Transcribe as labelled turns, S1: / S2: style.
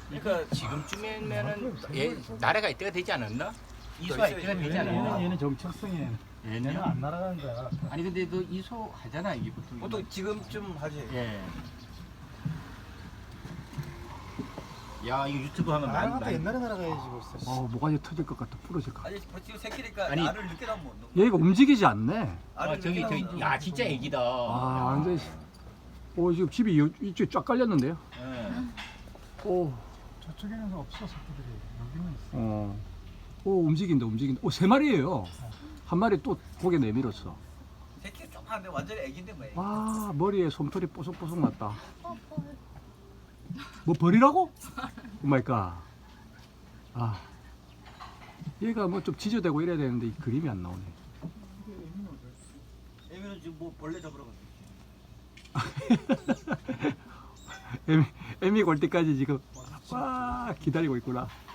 S1: 그러니까 지금쯤이면은 나라가 이때가 되지 않았나? 이소가 이때가 되지 않았나?
S2: 얘는 정체성이 얘는 안 날아가는 거야.
S1: 아니 근데 너 이소 하잖아 이게 보통.
S3: 보통 지금쯤 하지.
S1: 예. 야 이거 유튜브 하면
S2: 날아갔다 옛날에 날아가야지 벌써.
S4: 뭐가 터질 것 같아. 부러질 것 같아.
S3: 아니 지금 새끼니까
S1: 아니.
S3: 알을 늦게 나면 못 넣어.
S4: 얘가 움직이지 않네.
S3: 알을
S1: 저기
S3: 늦게 나오면
S1: 야 진짜 애기다.
S4: 완전. 지금 집이 이쪽에 쫙 깔렸는데요.
S1: 예.
S4: 오,
S2: 저쪽에는 없어 새끼들이. 여기만 있어.
S4: 움직인다. 세 마리예요. 한 마리 또 고개 내밀었어.
S3: 새끼 조그만데 완전히 애기인데 뭐.
S4: 와, 머리에 솜털이 뽀송뽀송 났다. 뭐 버리라고? 오 마이 갓. 얘가 뭐 좀 지저대고 이래야 되는데 이 그림이 안 나오네.
S3: 애미는 지금 뭐 벌레 잡으러 갔어.
S4: 애미 골 때까지 지금 와 기다리고 있구나.